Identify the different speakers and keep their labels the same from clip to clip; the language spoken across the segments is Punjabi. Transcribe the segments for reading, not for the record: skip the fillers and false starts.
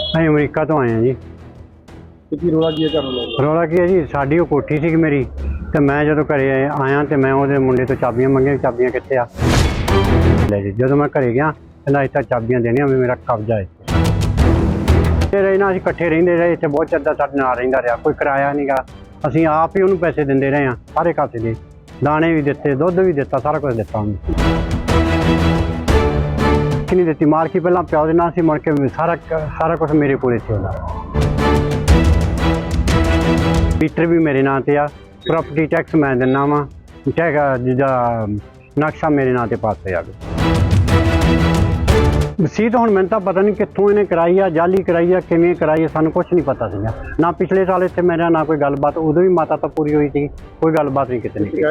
Speaker 1: ਅਸੀਂ ਅਮਰੀਕਾ ਤੋਂ ਆਏ ਹਾਂ ਜੀ।
Speaker 2: ਤੇ ਕੀ ਰੋਲਾ ਕੀ ਹੈ ਘਰ ਨੂੰ?
Speaker 1: ਰੌਲਾ ਕੀ ਹੈ ਜੀ, ਸਾਡੀ ਉਹ ਕੋਠੀ ਸੀ ਮੇਰੀ, ਤੇ ਮੈਂ ਜਦੋਂ ਘਰੇ ਆਇਆ ਤੇ ਮੈਂ ਉਹਦੇ ਮੁੰਡੇ ਤੋਂ ਚਾਬੀਆਂ ਮੰਗੀਆਂ, ਚਾਬੀਆਂ ਕਿੱਥੇ ਆ ਲੈ ਜੀ। ਜਦੋਂ ਮੈਂ ਘਰੇ ਗਿਆ ਕਹਿੰਦਾ ਇੱਥੇ ਚਾਬੀਆਂ ਦੇਣੀਆਂ ਵੀ ਮੇਰਾ ਕਬਜ਼ਾ ਹੈ। ਤੇ ਰਹੇ ਨਾ, ਅਸੀਂ ਇਕੱਠੇ ਰਹਿੰਦੇ ਰਹੇ ਇੱਥੇ, ਬਹੁਤ ਚਿਰ ਦਾ ਸਾਡੇ ਨਾਲ ਰਹਿੰਦਾ ਰਿਹਾ, ਕੋਈ ਕਿਰਾਇਆ ਨਹੀਂ ਗਾ। ਅਸੀਂ ਆਪ ਹੀ ਉਹਨੂੰ ਪੈਸੇ ਦਿੰਦੇ ਰਹੇ ਹਾਂ, ਸਾਰੇ ਕਾਸੇ ਦੇ ਦਾਣੇ ਵੀ ਦਿੱਤੇ, ਦੁੱਧ ਵੀ ਦਿੱਤਾ, ਸਾਰਾ ਕੁਝ ਦਿੱਤਾ ਉਹਨੂੰ। ਨਹੀਂ ਦਿੱਤੀ ਮਾਲਕੀ, ਪਹਿਲਾਂ ਪਿਓ ਦੇ ਨਾਲ ਸੀ, ਮੁੜ ਕੇ ਸਾਰਾ ਕੁਝ ਮੇਰੇ ਕੋਲ ਸੀ ਉਹਦਾ। ਮੀਟਰ ਵੀ ਮੇਰੇ ਨਾਂ ਤੇ ਆ, ਪ੍ਰਾਪਰਟੀ ਟੈਕਸ ਮੈਂ ਦਿੰਦਾ ਵਾਂ, ਜਿਹਦਾ ਨਕਸ਼ਾ ਮੇਰੇ ਨਾਂ ਤੇ ਪਾਸ ਹੋਇਆ ਜਾਵੇ। ਵਸੀਅਤ ਹੁਣ ਮੈਨੂੰ ਤਾਂ ਪਤਾ ਨਹੀਂ ਕਿੱਥੋਂ ਇਹਨੇ ਕਰਾਈ ਆ, ਜਾਲੀ ਕਰਾਈ ਆ, ਕਿਵੇਂ ਕਰਾਈ ਆ, ਸਾਨੂੰ ਕੁਛ ਨਹੀਂ ਪਤਾ ਸੀਗਾ ਨਾ। ਪਿਛਲੇ ਸਾਲ ਇੱਥੇ ਮੇਰਾ ਨਾ ਕੋਈ ਗੱਲਬਾਤ, ਉਦੋਂ ਵੀ ਮਾਤਾ ਤਾਂ ਪੂਰੀ ਹੋਈ ਸੀ, ਕੋਈ ਗੱਲਬਾਤ ਨਹੀਂ ਕਿਤੇ ਨਹੀਂ।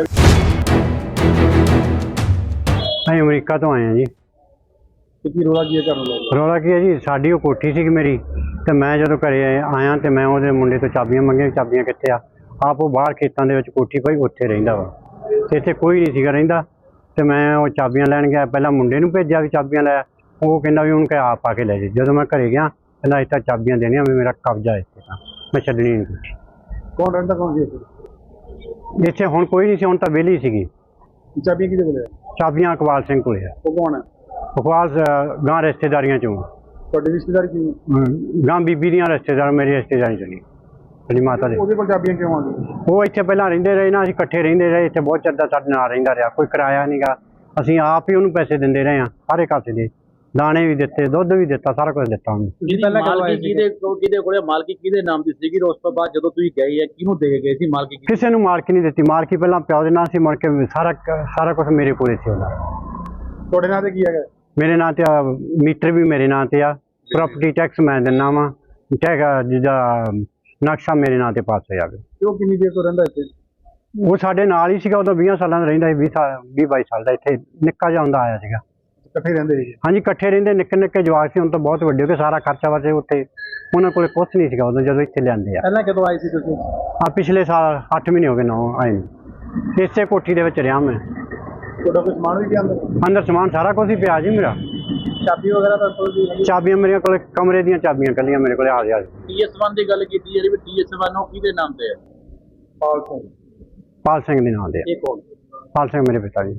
Speaker 1: ਅਸੀਂ ਅਮਰੀਕਾ ਤੋਂ ਆਏ ਹਾਂ ਜੀ।
Speaker 2: ਤੇ ਕੀ ਰੋਲਾ ਕੀ ਹੈ ਘਰ ਨੂੰ?
Speaker 1: ਰੌਲਾ ਕੀ ਹੈ ਜੀ, ਸਾਡੀ ਉਹ ਕੋਠੀ ਸੀ ਮੇਰੀ, ਤੇ ਮੈਂ ਜਦੋਂ ਘਰੇ ਆਇਆ ਤੇ ਮੈਂ ਉਹਦੇ ਮੁੰਡੇ ਤੋਂ ਚਾਬੀਆਂ ਮੰਗੀਆਂ, ਚਾਬੀਆਂ ਕਿੱਥੇ ਆ। ਆਪ ਉਹ ਬਾਹਰ ਖੇਤਾਂ ਦੇ ਵਿੱਚ ਕੋਠੀ ਪਈ, ਉੱਥੇ ਰਹਿੰਦਾ ਵਾ, ਤੇ ਇੱਥੇ ਕੋਈ ਨਹੀਂ ਸੀਗਾ ਰਹਿੰਦਾ। ਤੇ ਮੈਂ ਉਹ ਚਾਬੀਆਂ ਲੈਣ ਗਿਆ, ਪਹਿਲਾਂ ਮੁੰਡੇ ਨੂੰ ਭੇਜਿਆ ਵੀ ਚਾਬੀਆਂ ਲੈ, ਉਹ ਕਹਿੰਦਾ ਵੀ ਉਹਨੂੰ ਕਹਿ ਆਪ ਆ ਕੇ ਲੈ ਜੀ। ਜਦੋਂ ਮੈਂ ਘਰੇ ਗਿਆ ਕਹਿੰਦਾ ਇੱਥੇ ਚਾਬੀਆਂ ਦੇਣੀਆਂ ਵੀ ਮੇਰਾ ਕਬਜ਼ਾ ਹੈ ਇੱਥੇ, ਤਾਂ ਮੈਂ ਛੱਡਣੀ ਨਹੀਂ ਕੋਠੀ।
Speaker 2: ਕੌਣ ਰਹਿੰਦਾ ਕੌਣ ਸੀ ਇੱਥੇ?
Speaker 1: ਇੱਥੇ ਹੁਣ ਕੋਈ ਨਹੀਂ ਸੀ, ਹੁਣ ਤਾਂ ਵਿਹਲੀ ਸੀਗੀ।
Speaker 2: ਚਾਬੀਆਂ ਕਿਹਦੇ ਕੋਲ ਹੈ?
Speaker 1: ਚਾਬੀਆਂ ਇਕਬਾਲ ਸਿੰਘ ਕੋਲੇ ਆ।
Speaker 2: ਉਹ ਕੌਣ ਹੈ?
Speaker 1: ਇਕਬਾਲ ਗਾਂ ਰਿਸ਼ਤੇਦਾਰੀਆਂ ਚੋਂ,
Speaker 2: ਤੁਹਾਡੀ ਰਿਸ਼ਤੇਦਾਰੀ ਕੀ ਹੈ?
Speaker 1: ਗਾਂ ਬੀਬੀ ਦੀਆਂ ਰਿਸ਼ਤੇਦਾਰ, ਮੇਰੀ ਰਿਸ਼ਤੇਦਾਰੀ ਚੋਂ ਨਹੀਂ, ਮੇਰੀ ਮਾਤਾ ਦੇ।
Speaker 2: ਉਹਦੇ ਕੋਲ ਚਾਬੀਆਂ ਕਿਉਂ ਆ ਗਈਆਂ?
Speaker 1: ਉਹ ਇੱਥੇ ਪਹਿਲਾਂ ਰਹਿੰਦੇ ਰਹੇ ਨਾ, ਅਸੀਂ ਇਕੱਠੇ ਰਹਿੰਦੇ ਰਹੇ ਇੱਥੇ, ਬਹੁਤ ਚਿਰ ਦਾ ਸਾਡੇ ਨਾਲ ਰਹਿੰਦਾ ਰਿਹਾ, ਕੋਈ ਕਿਰਾਇਆ ਨਹੀਂ ਗਾ। ਅਸੀਂ ਆਪ ਹੀ ਉਹਨੂੰ ਪੈਸੇ ਦਿੰਦੇ ਰਹੇ ਹਾਂ, ਸਾਰੇ ਕਾਸੇ ਦੇ ਦਾਣੇ ਵੀ ਦਿੱਤੇ, ਦੁੱਧ ਵੀ ਦਿੱਤਾ, ਸਾਰਾ ਕੁਝ ਦਿੱਤਾ ਉਹਨੂੰ।
Speaker 3: ਮਾਲਕੀ ਕਿਹਦੇ ਕੋਲੇ, ਮਾਲਕੀ ਕਿਹਦੇ ਨਾਮ ਦੀ ਸੀਗੀ? ਉਸ ਤੋਂ ਬਾਅਦ ਜਦੋਂ ਤੁਸੀਂ ਗਏ ਆ ਕਿਹਨੂੰ ਦੇ ਗਏ ਸੀ ਮਾਲਕੀ?
Speaker 1: ਕਿਸੇ ਨੂੰ ਮਾਲਕੀ ਨਹੀਂ ਦਿੱਤੀ, ਮਾਲਕੀ ਪਹਿਲਾਂ ਪਿਓ ਦੇ ਨਾਂ ਸੀ, ਮੁੜ ਕੇ ਸਾਰਾ ਕੁਝ ਮੇਰੇ ਕੋਲੇ ਸੀ ਉਹਦਾ।
Speaker 2: ਤੁਹਾਡੇ ਨਾਂ ਤੇ ਕੀ ਹੈਗਾ?
Speaker 1: ਮੇਰੇ ਨਾਂ ਤੇ ਆ, ਮੀਟਰ ਵੀ ਮੇਰੇ ਨਾਂ ਤੇ ਆ, ਪ੍ਰਾਪਰਟੀ ਟੈਕਸ ਮੈਂ ਦਿੰਦਾ ਵਾਂ, ਜਿਹਦਾ ਨਕਸ਼ਾ ਮੇਰੇ ਨਾਂ ਤੇ ਪਾਸ ਹੋਇਆ ਜਾਵੇ।
Speaker 2: ਤੇ ਉਹ ਕਿੰਨੀ ਦੇਰ ਤੋਂ ਰਹਿੰਦਾ ਇੱਥੇ?
Speaker 1: ਉਹ ਸਾਡੇ ਨਾਲ ਹੀ ਸੀਗਾ, ਉਦੋਂ 20 ਸਾਲਾਂ ਦਾ ਰਹਿੰਦਾ ਸੀ, 20-22 ਸਾਲ ਦਾ, ਇੱਥੇ ਨਿੱਕਾ ਜਿਹਾ ਹੁੰਦਾ ਆਇਆ ਸੀਗਾ।
Speaker 2: ਇਕੱਠੇ ਰਹਿੰਦੇ ਸੀ?
Speaker 1: ਹਾਂਜੀ ਇਕੱਠੇ ਰਹਿੰਦੇ, ਨਿੱਕੇ ਨਿੱਕੇ ਜਵਾਕ ਸੀ, ਹੁਣ ਤਾਂ ਬਹੁਤ ਵੱਡੇ ਹੋ ਗਏ, ਸਾਰਾ ਖਰਚਾ ਵਰਤੇ ਉੱਥੇ ਉਹਨਾਂ ਕੋਲ ਕੁਛ ਨਹੀਂ ਸੀਗਾ ਉਦੋਂ ਜਦੋਂ ਇੱਥੇ ਲਿਆਂਦੇ ਆ।
Speaker 2: ਪਹਿਲਾਂ ਕਦੋਂ ਆਏ ਸੀ ਤੁਸੀਂ?
Speaker 1: ਪਿਛਲੇ ਸਾਲ 8 ਮਹੀਨੇ ਹੋ ਗਏ ਨਾ ਆਏ ਨੂੰ। ਇਸੇ ਕੋਠੀ ਦੇ ਵਿੱਚ ਰਿਹਾ ਮੈਂ।
Speaker 2: ਤੁਹਾਡਾ ਕੋਈ ਸਮਾਨ ਵੀ ਪਿਆ ਅੰਦਰ?
Speaker 1: ਅੰਦਰ ਸਮਾਨ ਸਾਰਾ ਕੁਝ ਹੀ ਪਿਆ ਜੀ ਮੇਰਾ।
Speaker 2: ਚਾਬੀ ਵਗੈਰਾ ਤਾਂ ਕੋਲ ਵੀ ਹੈਗੀ?
Speaker 1: ਚਾਬੀਆਂ ਮੇਰੇ ਕੋਲ, ਕਮਰੇ ਦੀਆਂ ਚਾਬੀਆਂ ਕੱਲੀਆਂ ਮੇਰੇ ਕੋਲ ਹਾਜ਼ਰ।
Speaker 3: TS1 ਦੀ ਗੱਲ ਕੀਤੀ ਜਿਹੜੀ ਵੀ TS1 ਉਹ ਕਿਹਦੇ ਨਾਮ ਤੇ ਹੈ?
Speaker 2: ਪਾਲ ਸਿੰਘ।
Speaker 1: ਪਾਲ ਸਿੰਘ ਦੇ ਨਾਂ ਦੇ ਆ।
Speaker 3: ਇਹ ਕੌਣ?
Speaker 1: ਪਾਲ ਸਿੰਘ ਮੇਰੇ ਪਿਤਾ ਜੀ।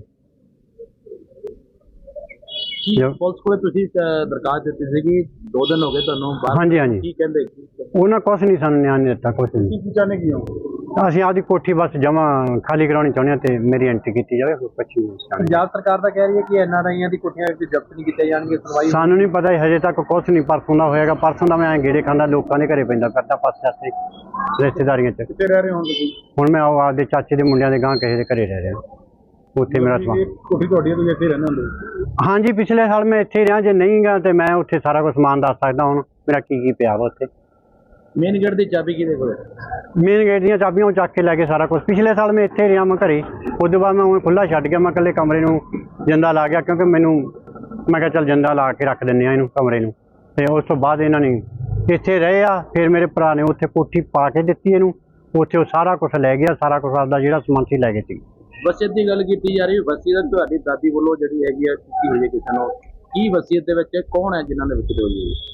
Speaker 3: ਕੀ ਪੁਲਿਸ ਕੋਲੇ ਤੁਸੀਂ ਦਰਖਾਸਤ ਦਿੱਤੀ ਸੀਗੀ, 2 ਦਿਨ ਹੋ ਗਏ ਤੁਹਾਨੂੰ ਬਾਹਰ?
Speaker 1: ਹਾਂਜੀ ਹਾਂਜੀ,
Speaker 3: ਕੀ ਕਹਿੰਦੇ?
Speaker 1: ਉਹਨਾਂ ਕੁਛ ਨਹੀਂ ਸਾਨੂੰ ਨਿਆਂ ਨਹੀਂ ਦਿੱਤਾ, ਕੁਛ ਨਹੀਂ।
Speaker 2: ਕੀ ਚਾਹਨੇ ਕੀ ਹੋ?
Speaker 1: ਅਸੀਂ ਆਪਦੀ ਕੋਠੀ ਬਸ ਜਮਾ ਖਾਲੀ ਕਰਾਉਣੀ ਚਾਹੁੰਦੇ ਹਾਂ, ਤੇ ਮੇਰੀ ਐਂਟਰੀ ਕੀਤੀ ਜਾਵੇ, ਹੋਰ ਕੁਛ ਨਹੀਂ ਚਾਹੁੰਦੇ।
Speaker 2: ਪੰਜਾਬ ਸਰਕਾਰ ਤਾਂ ਕਹਿ ਰਹੀ ਹੈ ਕਿ NRIਆਂ ਦੀ ਕੋਠੀਆਂ ਵਿੱਚ ਜ਼ਬਤ ਨਹੀਂ ਕੀਤੀਆਂ ਜਾਣਗੀਆਂ, ਸੁਣਵਾਈ।
Speaker 1: ਸਾਨੂੰ ਨਹੀਂ ਪਤਾ ਹਜੇ ਤੱਕ ਕੁਛ ਨਹੀਂ, ਪਰਸੋਂ ਦਾ ਹੋਏਗਾ। ਪਰਸੋਂ ਦਾ ਮੈਂ ਗੇੜੇ ਖਾਂਦਾ, ਲੋਕਾਂ ਦੇ ਘਰੇ ਪੈਂਦਾ ਫਿਰਦਾ ਪਾਸੇ ਆਸੇ ਰਿਸ਼ਤੇਦਾਰੀਆਂ 'ਚ।
Speaker 2: ਕਿੱਥੇ ਰਹਿ ਰਹੇ ਹੋ ਤੁਸੀਂ?
Speaker 1: ਹੁਣ ਮੈਂ ਆਪਦੇ ਚਾਚੇ ਦੇ ਮੁੰਡਿਆਂ ਦੇ ਗਾਂ ਕਿਸੇ ਦੇ ਘਰੇ ਰਹਿ ਰਿਹਾ, ਉੱਥੇ ਮੇਰਾ ਸਮਾਨ।
Speaker 2: ਕੋਠੀ ਤੁਹਾਡੀ ਹੈ, ਤੁਸੀਂ ਇੱਥੇ ਰਹਿੰਦੇ ਹੁੰਦੇ?
Speaker 1: ਹਾਂਜੀ ਪਿਛਲੇ ਸਾਲ ਮੈਂ ਇੱਥੇ ਰਿਹਾ, ਜੇ ਨਹੀਂ ਗਾ ਤੇ ਮੈਂ ਉੱਥੇ ਸਾਰਾ ਕੁਝ ਸਮਾਨ ਦੱਸ ਸਕਦਾ ਹੁਣ ਮੇਰਾ ਕੀ ਪਿਆ ਵਾ ਉੱਥੇ।
Speaker 3: ਮੇਨ ਗੇਟ ਦੀ ਚਾਬੀ ਕਿਹਦੇ ਕੋਲ?
Speaker 1: ਮੇਨ ਗੇਟ ਦੀਆਂ ਚਾਬੀਆਂ ਉਹ ਚੱਕ ਕੇ ਲੈ ਕੇ ਸਾਰਾ ਕੁਝ। ਪਿਛਲੇ ਸਾਲ ਮੈਂ ਇੱਥੇ ਰਿਹਾ, ਮੈਂ ਘਰੇ, ਉਸ ਤੋਂ ਬਾਅਦ ਮੈਂ ਹੁਣ ਖੁੱਲ੍ਹਾ ਛੱਡ ਗਿਆ। ਮੈਂ ਇਕੱਲੇ ਕਮਰੇ ਨੂੰ ਜਿੰਦਾ ਲਾ ਗਿਆ, ਕਿਉਂਕਿ ਮੈਂ ਕਿਹਾ ਚੱਲ ਜਿੰਦਾ ਲਾ ਕੇ ਰੱਖ ਦਿੰਦੇ ਆ ਇਹਨੂੰ ਕਮਰੇ ਨੂੰ। ਤੇ ਉਸ ਤੋਂ ਬਾਅਦ ਇਹਨਾਂ ਨੇ ਇੱਥੇ ਰਹੇ ਆ, ਫਿਰ ਮੇਰੇ ਭਰਾ ਨੇ ਉੱਥੇ ਕੋਠੀ ਪਾ ਕੇ ਦਿੱਤੀ ਇਹਨੂੰ, ਉੱਥੇ ਉਹ ਸਾਰਾ ਕੁਝ ਲੈ ਗਿਆ, ਸਾਰਾ ਕੁਝ ਆਪਦਾ ਜਿਹੜਾ ਸਮਾਨ ਸੀ ਲੈ ਗਏ ਸੀ।
Speaker 3: ਵਸੀਅਤ ਦੀ ਗੱਲ ਕੀਤੀ ਜਾ ਰਹੀ, ਵਸੀਅਤ ਤੁਹਾਡੀ ਦਾਦੀ ਵੱਲੋਂ ਜਿਹੜੀ ਹੈਗੀ ਆ ਕੀਤੀ ਹੋਈ ਹੈ ਕਿਸੇ ਨੂੰ, ਕੀ ਵਸੀਅਤ ਦੇ ਵਿੱਚ ਕੌਣ ਹੈ ਜਿਨ੍ਹਾਂ ਨੇ ਵਸੀਅਤ ਹੋਈ ਹੈ?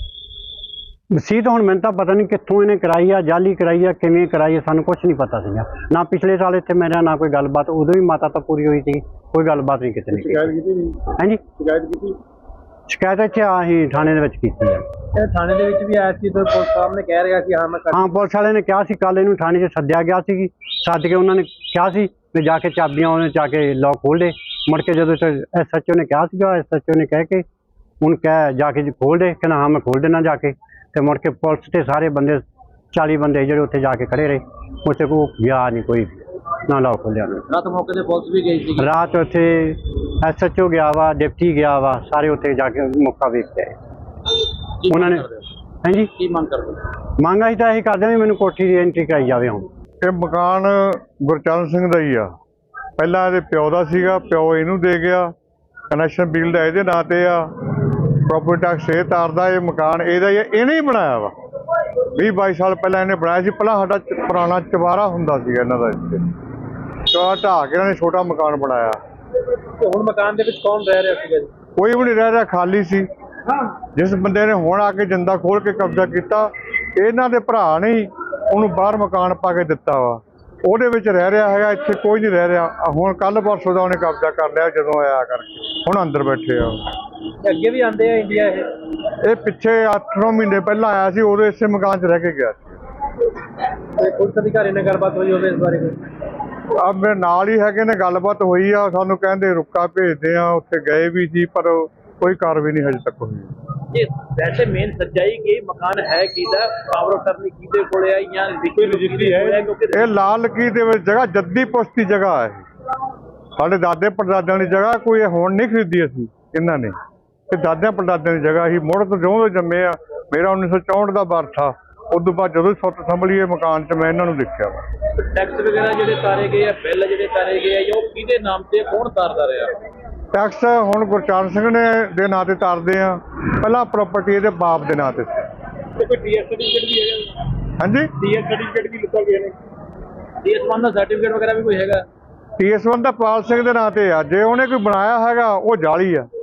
Speaker 1: ਵਸੀਅਤ ਹੁਣ ਮੈਨੂੰ ਤਾਂ ਪਤਾ ਨਹੀਂ ਕਿੱਥੋਂ ਇਹਨੇ ਕਰਾਈ ਆ, ਜਾਲੀ ਕਰਾਈ ਆ, ਕਿਵੇਂ ਕਰਾਈ ਆ, ਸਾਨੂੰ ਕੁਛ ਨਹੀਂ ਪਤਾ ਸੀਗਾ ਨਾ। ਪਿਛਲੇ ਸਾਲ ਇੱਥੇ ਮੇਰਾ ਨਾ ਕੋਈ ਗੱਲਬਾਤ, ਉਦੋਂ ਵੀ ਮਾਤਾ ਤਾਂ ਪੂਰੀ ਹੋਈ ਸੀ, ਕੋਈ ਗੱਲਬਾਤ ਨਹੀਂ ਕਿਤੇ ਨਹੀਂ।
Speaker 2: ਸ਼ਿਕਾਇਤ ਕੀਤੀ ਨਹੀਂ?
Speaker 1: ਹਾਂਜੀ
Speaker 2: ਸ਼ਿਕਾਇਤ ਕੀਤੀ?
Speaker 1: ਸ਼ਿਕਾਇਤ ਇੱਥੇ ਆਹੀ ਥਾਣੇ ਦੇ ਵਿੱਚ ਕੀਤੀ ਆ।
Speaker 2: ਇਹ ਥਾਣੇ ਦੇ ਵਿੱਚ ਵੀ ਆਇਆ ਸੀ ਤਾਂ ਪੁਲਿਸ ਸਾਹਿਬ ਨੇ ਕਹਿ ਰਿਹਾ ਸੀ
Speaker 1: ਹਾਂ ਪੁਲਿਸ ਵਾਲੇ ਨੇ ਕਿਹਾ ਸੀ, ਕੱਲ ਇਹਨੂੰ ਥਾਣੇ 'ਚ ਸੱਦਿਆ ਗਿਆ ਸੀ, ਸੱਦ ਕੇ ਉਹਨਾਂ ਨੇ ਕਿਹਾ ਸੀ ਵੀ ਜਾ ਕੇ ਚਾਬੀਆਂ ਉਹਨੇ ਜਾ ਕੇ ਲੋਕ ਖੋਲ੍ਹ ਦੇ। ਮੁੜ ਕੇ ਜਦੋਂ SHO ਨੇ ਕਿਹਾ ਸੀਗਾ, SHO ਨੇ ਕਹਿ ਕੇ ਉਹਨੂੰ ਜਾ ਕੇ ਖੋਲ੍ਹ ਦੇ, ਕਹਿੰਦਾ ਹਾਂ ਮੈਂ ਖੋਲ੍ਹ ਦੇਣਾ ਜਾ ਕੇ। ਤੇ ਮੁੜ ਕੇ ਪੁਲਿਸ ਤੇ ਸਾਰੇ ਬੰਦੇ 40 ਬੰਦੇ ਜਿਹੜੇ ਉੱਥੇ ਜਾ ਕੇ ਖੜੇ ਰਹੇ, ਉੱਥੇ ਕੋਈ ਗਿਆ ਨਹੀਂ, ਕੋਈ ਨਾ ਲੋਕ ਖੋਲ੍ਹਿਆ।
Speaker 3: ਰਾਤ ਮੌਕੇ ਤੇ ਪੁਲਿਸ ਵੀ ਗਈ ਸੀ?
Speaker 1: ਰਾਤ ਉੱਥੇ SHO ਗਿਆ ਵਾ, ਡਿਪਟੀ ਗਿਆ ਵਾ, ਸਾਰੇ ਉੱਥੇ ਜਾ ਕੇ ਮੌਕਾ ਵੇਖ ਕੇ ਆਏ ਉਹਨਾਂ ਨੇ। ਹਾਂਜੀ
Speaker 3: ਕੀ ਮੰਗ ਕਰਦੇ?
Speaker 1: ਮੰਗ ਅਸੀਂ ਤਾਂ ਇਹੀ ਕਰਦੇ ਵੀ ਮੈਨੂੰ ਕੋਠੀ ਦੀ ਐਂਟਰੀ ਕਰਾਈ ਜਾਵੇ ਹੁਣ।
Speaker 4: ਇਹ ਮਕਾਨ ਗੁਰਚਰਨ ਸਿੰਘ ਦਾ ਹੀ ਆ, ਪਹਿਲਾਂ ਇਹਦੇ ਪਿਓ ਦਾ ਸੀਗਾ, ਪਿਓ ਇਹਨੂੰ ਦੇ ਗਿਆ। ਕਨੈਕਸ਼ਨ ਬਿੱਲ ਦਾ ਇਹਦੇ ਨਾਂ ਤੇ ਆ, ਪ੍ਰੋਪਰਟੀ ਟੈਕਸ ਇਹ ਤਾਰਦਾ। ਇਹ ਮਕਾਨ ਇਹਦਾ ਹੀ ਆ, ਇਹਨੇ ਹੀ ਬਣਾਇਆ ਵਾ। 20-22 ਸਾਲ ਪਹਿਲਾਂ ਇਹਨੇ ਬਣਾਇਆ ਸੀ। ਪਹਿਲਾਂ ਸਾਡਾ ਪੁਰਾਣਾ ਚੁਬਾਰਾ ਹੁੰਦਾ ਸੀਗਾ ਇਹਨਾਂ ਦਾ, ਇੱਥੇ ਚੁਬਾਰਾ ਢਾਹ ਕੇ ਇਹਨਾਂ ਨੇ ਛੋਟਾ ਮਕਾਨ ਬਣਾਇਆ।
Speaker 2: ਹੁਣ ਮਕਾਨ ਦੇ ਵਿੱਚ ਕੌਣ ਰਹਿ ਰਿਹਾ ਸੀਗਾ ਜੀ?
Speaker 4: ਕੋਈ ਵੀ ਨਹੀਂ ਰਹਿ ਰਿਹਾ, ਖਾਲੀ ਸੀ। ਜਿਸ ਬੰਦੇ ਨੇ ਹੁਣ ਆ ਕੇ ਜਿੰਦਾ ਖੋਲ ਕੇ ਕਬਜ਼ਾ ਕੀਤਾ, ਇਹਨਾਂ ਦੇ ਭਰਾ ਨੇ ਹੀ ਉਹਨੂੰ ਬਾਹਰ ਮਕਾਨ ਪਾ ਕੇ ਦਿੱਤਾ ਵਾ। ਉਹਦੇ ਵਿੱਚ ਰਹਿ ਰਿਹਾ ਹੈਗਾ, ਇੱਥੇ ਕੋਈ ਨਹੀਂ ਰਹਿ ਰਿਹਾ। ਹੁਣ ਕੱਲ ਪਰਸੋਂ ਦਾ ਉਹਨੇ ਕਬਜ਼ਾ ਕਰ ਲਿਆ ਜਦੋਂ ਆਇਆ ਕਰਕੇ, ਹੁਣ ਅੰਦਰ ਬੈਠੇ ਆ।
Speaker 2: ਅੱਗੇ ਵੀ ਆਉਂਦੇ ਆ ਇੰਡੀਆ
Speaker 4: ਇਹ ਪਿੱਛੇ 8-9 ਮਹੀਨੇ ਪਹਿਲਾਂ ਆਇਆ ਸੀ, ਉਦੋਂ ਇਸੇ ਮਕਾਨ 'ਚ ਰਹਿ ਕੇ ਗਿਆ ਸੀ।
Speaker 2: ਤੇ ਪੁਲਿਸ ਅਧਿਕਾਰੀ ਨਾਲ ਗੱਲਬਾਤ ਹੋਈ ਹੋਵੇ ਇਸ ਬਾਰੇ ਕੋਈ?
Speaker 4: ਆ ਮੇਰੇ ਨਾਲ ਹੀ ਹੈਗੇ ਨੇ, ਗੱਲਬਾਤ ਹੋਈ ਆ। ਸਾਨੂੰ ਕਹਿੰਦੇ ਰੁੱਕਾ ਭੇਜਦੇ ਆ, ਉੱਥੇ ਗਏ ਵੀ ਸੀ ਪਰ ਕੋਈ ਕਾਰਵਾਈ ਨਹੀਂ ਹਜੇ ਤੱਕ ਹੋਈ।
Speaker 3: ਇਹ ਵੈਸੇ ਮੇਨ ਸੱਚਾਈ ਕਿ ਮਕਾਨ ਹੈ ਕਿਹਦਾ, ਪਾਵਰ ਆਫ ਅਟਰਨੀ ਕਿਹਦੇ ਕੋਲ ਹੈ ਜਾਂ ਕੋਈ ਰਜਿਸਟਰੀ ਹੈ? ਕਿਉਂਕਿ
Speaker 4: ਇਹ ਲਾਲ ਲਕੀਰ ਦੇ ਵਿੱਚ ਜਗ੍ਹਾ ਜੱਦੀ ਪੁਸ਼ਤੀ ਜਗ੍ਹਾ ਹੈ, ਸਾਡੇ ਦਾਦੇ ਪੜਦਾਦਿਆਂ ਦੀ ਜਗ੍ਹਾ। ਕੋਈ ਹੁਣ ਨਹੀਂ ਖਰੀਦੀ ਅਸੀਂ ਇਹਨਾਂ ਨੇ, ਤੇ ਦਾਦਿਆਂ ਪੜਦਾਦਿਆਂ ਦੀ ਜਗ੍ਹਾ ਹੀ ਮੁੜ ਤੋਂ ਜਿਉਂ ਜੰਮੇ ਆ। ਮੇਰਾ 1964 ਦਾ ਬਰਥ ਆ। ਉਸ ਤੋਂ ਬਾਅਦ ਜਦੋਂ ਸੁੱਤ ਸੰਭਲੀ ਇਹ ਮਕਾਨ 'ਚ ਮੈਂ ਇਹਨਾਂ ਨੂੰ ਦੇਖਿਆ ਵਾ।
Speaker 3: ਟੈਕਸ ਵਗੈਰਾ ਜਿਹੜੇ ਤਾਰੇ ਗਏ ਆ, ਬਿੱਲ ਜਿਹੜੇ ਤਾਰੇ ਗਏ ਆ, ਉਹ ਕਿਹਦੇ ਨਾਮ ਤੇ, ਕੌਣ ਤਾਰਦਾ ਰਿਹਾ?
Speaker 4: ਟੈਕਸ ਹੁਣ ਗੁਰਚਰਨ ਸਿੰਘ ਨੇ ਦੇ ਨਾਂ ਤੇ ਤਾਰਦੇ ਆ, ਪਹਿਲਾਂ ਪ੍ਰਾਪਰਟੀ ਇਹਦੇ ਬਾਪ ਦੇ ਨਾਂ ਤੇ ਸੀ।
Speaker 3: ਤੇ ਕੋਈ ਟੀਐਸ ਸਰਟੀਫਿਕੇਟ ਵੀ ਹੈਗਾ?
Speaker 4: ਹਾਂਜੀ,
Speaker 3: ਟੀਐਸ ਸਰਟੀਫਿਕੇਟ ਵੀ ਲਿਖਾ ਗਿਆ ਨੇ? ਟੀਐਸ1 ਦਾ ਸਰਟੀਫਿਕੇਟ ਵਗੈਰਾ ਵੀ ਕੋਈ ਹੈਗਾ?
Speaker 4: TS1 ਦਾ ਪਾਲ ਸਿੰਘ ਦੇ ਨਾਂ ਤੇ ਆ। ਜੇ ਉਹਨੇ ਕੋਈ ਬਣਾਇਆ ਹੈਗਾ ਉਹ ਜਾਲੀ ਆ।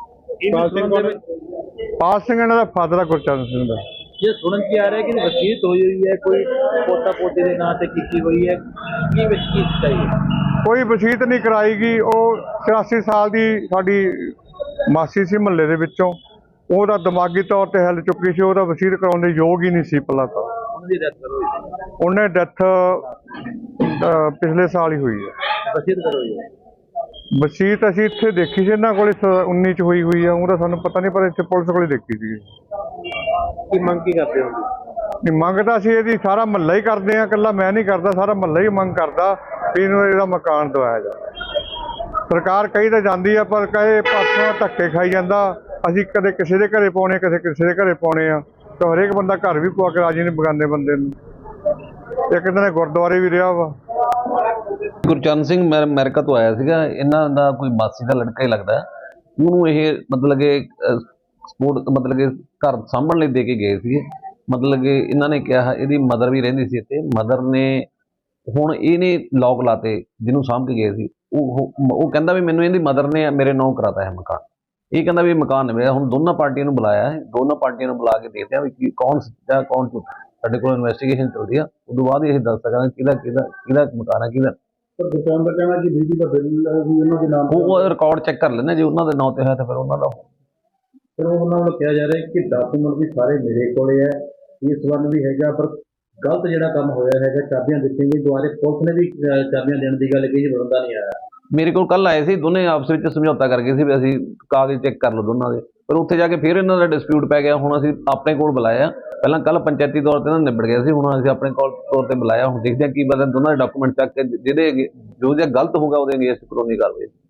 Speaker 4: ਪਾਲ ਸਿੰਘ ਇਹਨਾਂ ਦਾ ਫਾਦਰ ਆ, ਗੁਰਚਰਨ ਸਿੰਘ ਦਾ।
Speaker 3: ਇਹ ਸੁਣਨ ਚ ਆ ਰਿਹਾ ਕਿ ਵਸੀਅਤ ਹੋਈ ਹੋਈ ਹੈ, ਕੋਈ ਪੋਤਾ ਪੋਤੇ ਦੇ ਨਾਂ ਤੇ ਕੀਤੀ ਹੋਈ ਹੈ, ਕੀ ਵਿੱਚ ਕੀ ਸਹੀ ਹੈ?
Speaker 4: ਕੋਈ ਵਸੀਅਤ ਨਹੀਂ ਕਰਾਈ ਗਈ। ਉਹ 84 ਸਾਲ ਦੀ ਸਾਡੀ ਮਾਸੀ ਸੀ ਮੁਹੱਲੇ ਦੇ ਵਿੱਚੋਂ, ਉਹਦਾ ਦਿਮਾਗੀ ਤੌਰ ਤੇ ਹਿੱਲ ਚੁੱਕੀ ਸੀ, ਉਹਦਾ ਵਸੀਅਤ ਕਰਾਉਣ ਦੇ ਯੋਗ ਹੀ ਨਹੀਂ ਸੀ ਪਹਿਲਾਂ ਤਾਂ।
Speaker 3: ਉਹਨਾਂ ਦੀ ਡੈਥ ਹੋਈ ਹੈ?
Speaker 4: ਉਹਨੇ ਡੈਥ ਪਿਛਲੇ ਸਾਲ ਹੀ ਹੋਈ ਹੈ।
Speaker 3: ਵਸੀਅਤ ਕਰੋਈ ਹੈ?
Speaker 4: ਵਸੀਅਤ ਅਸੀਂ ਇੱਥੇ ਦੇਖੀ ਸੀ, ਇਹਨਾਂ ਕੋਲੇ 19 'ਚ ਹੋਈ ਆ। ਉਹਦਾ ਸਾਨੂੰ ਪਤਾ ਨਹੀਂ, ਪਰ ਇੱਥੇ ਪੁਲਿਸ ਕੋਲੇ ਦੇਖੀ ਸੀ।
Speaker 2: ਕੀ ਮੰਗ ਕੀ ਕਰਦੇ ਹੋ?
Speaker 4: ਨਹੀਂ, ਮੰਗ ਤਾਂ ਅਸੀਂ ਇਹਦੀ ਸਾਰਾ ਮਹੱਲਾ ਹੀ ਕਰਦੇ ਆ, ਇਕੱਲਾ ਮੈਂ ਨਹੀਂ ਕਰਦਾ, ਸਾਰਾ ਮਹੱਲਾ ਹੀ ਮੰਗ ਕਰਦਾ ਵੀ ਇਹਨੂੰ ਇਹਦਾ ਮਕਾਨ ਦਵਾਇਆ ਜਾਵੇ। ਸਰਕਾਰ ਕਹੀ ਤਾਂ ਜਾਂਦੀ ਆ, ਪਰ ਕਹੇ ਪਾਸੋਂ ਧੱਕੇ ਖਾਈ ਜਾਂਦਾ। ਅਸੀਂ ਕਦੇ ਕਿਸੇ ਦੇ ਘਰੇ ਪਾਉਣੇ, ਕਦੇ ਕਿਸੇ ਦੇ ਘਰੇ ਪਾਉਣੇ ਆ, ਤਾਂ ਹਰੇਕ ਬੰਦਾ ਘਰ ਵੀ ਪਵਾ ਕੇ ਰਾਜੀ ਨਹੀਂ ਬਗਾਨੇ ਬੰਦੇ ਨੂੰ। ਇੱਕ ਦਿਨ ਗੁਰਦੁਆਰੇ ਵੀ ਰਿਹਾ ਵਾ।
Speaker 5: ਗੁਰਚਰਨ ਸਿੰਘ ਮੈਂ ਅਮਰੀਕਾ ਤੋਂ ਆਇਆ ਸੀਗਾ। ਇਹਨਾਂ ਦਾ ਕੋਈ ਮਾਸੀ ਦਾ ਲੜਕਾ ਹੀ ਲੱਗਦਾ। ਉਹਨੂੰ ਇਹ ਮਤਲਬ ਕਿ ਸਪੋਰਟ ਮਤਲਬ ਕਿ ਘਰ ਸਾਂਭਣ ਲਈ ਦੇ ਕੇ ਗਏ ਸੀਗੇ। ਮਤਲਬ ਕਿ ਇਹਨਾਂ ਨੇ ਕਿਹਾ, ਇਹਦੀ ਮਦਰ ਵੀ ਰਹਿੰਦੀ ਸੀ ਇੱਥੇ। ਮਦਰ ਨੇ ਹੁਣ ਇਹਨੇ ਲੋਕ ਲਾਤੇ ਜਿਹਨੂੰ ਸਾਂਭ ਕੇ ਗਏ ਸੀ। ਉਹ ਕਹਿੰਦਾ ਵੀ ਮੈਨੂੰ ਇਹਦੀ ਮਦਰ ਨੇ ਮੇਰੇ ਨਾਂ ਕਰਾਤਾ ਹੈ ਮਕਾਨ। ਇਹ ਕਹਿੰਦਾ ਵੀ ਮਕਾਨ ਨਹੀਂ ਮਿਲਿਆ। ਹੁਣ ਦੋਨਾਂ ਪਾਰਟੀਆਂ ਨੂੰ ਬੁਲਾਇਆ ਹੈ, ਦੋਨਾਂ ਪਾਰਟੀਆਂ ਨੂੰ ਬੁਲਾ ਕੇ ਦੇਖਦੇ ਆ ਵੀ ਕੌਣ ਸੱਚਾ ਕੌਣ ਝੂਠਾ। ਸਾਡੇ ਕੋਲ ਇਨਵੈਸਟੀਗੇਸ਼ਨ ਚੱਲਦੀ ਆ, ਉਦੋਂ ਬਾਅਦ ਇਹ ਦੱਸ ਸਕਾਂਗੇ ਕਿਹਦਾ ਮਕਾਨ ਹੈ ਕਿਹਦਾ।
Speaker 2: ਪਰ ਦੁਕਾਨ ਦਾ ਕਹਿਣਾ ਕਿ ਬਿਜਲੀ ਦਾ ਬਿੱਲ ਵੀ ਉਹਨਾਂ ਦੇ ਨਾਮ
Speaker 5: ਉਹ ਰਿਕਾਰਡ ਚੈੱਕ ਕਰ ਲੈਂਦੇ, ਜੇ ਉਹਨਾਂ ਦੇ ਨਾਂ ਤੇ ਹੋਇਆ ਤਾਂ ਫਿਰ ਉਹਨਾਂ ਦਾ।
Speaker 2: ਫਿਰ ਉਹਨਾਂ ਨੂੰ ਕਿਹਾ ਜਾ ਰਿਹਾ ਕਿ ਡਾਕੂਮੈਂਟ ਵੀ ਸਾਰੇ ਮੇਰੇ ਕੋਲੇ ਹੈ, ਇਸ ਵਨ ਵੀ ਹੈਗਾ, ਪਰ ਗਲਤ ਜਿਹੜਾ ਕੰਮ ਹੋਇਆ ਹੈਗਾ, ਚਾਬੀਆਂ ਦਿੱਤੀਆਂ ਗਈਆਂ ਦੁਆਰੇ। ਪੁਲਿਸ ਨੇ ਵੀ ਚਾਬੀਆਂ ਦੇਣ ਦੀ ਗੱਲ ਕਹੀ, ਬੰਦਾ ਨਹੀਂ ਆਇਆ।
Speaker 5: ਮੇਰੇ ਕੋਲ ਕੱਲ ਆਏ ਸੀ, ਦੋਨੇ ਆਪਸ ਵਿੱਚ ਸਮਝੌਤਾ ਕਰ ਗਏ ਸੀ ਵੀ ਅਸੀਂ ਕਾਗਜ਼ ਚੈੱਕ ਕਰ ਲਓ ਦੋਨਾਂ ਦੇ, ਪਰ ਉੱਥੇ ਜਾ ਕੇ ਫਿਰ ਇਹਨਾਂ ਦਾ ਡਿਸਪਿਊਟ ਪੈ ਗਿਆ। ਹੁਣ ਅਸੀਂ ਆਪਣੇ ਕੋਲ ਬੁਲਾਇਆ, ਪਹਿਲਾਂ ਕੱਲ ਪੰਚਾਇਤੀ ਤੌਰ ਤੇ ਨਿਬੜ ਗਿਆ ਸੀ, ਹੁਣ ਅਸੀਂ ਆਪਣੇ ਕੋਲ ਤੌਰ ਤੇ ਬੁਲਾਇਆ। ਹੁਣ ਦੇਖਦੇ ਹਾਂ ਕੀ ਪਤਾ ਦੋਨਾਂ ਦੇ ਡਾਕੂਮੈਂਟ ਚੱਕ ਕੇ ਜਿਹਦੇ ਜੋ ਜੇ ਗਲਤ ਹੋਊਗਾ ਉਹਦੇ ਅਗੇਂਸਟ ਕਾਨੂੰਨੀ ਕਾਰਵਾਈ।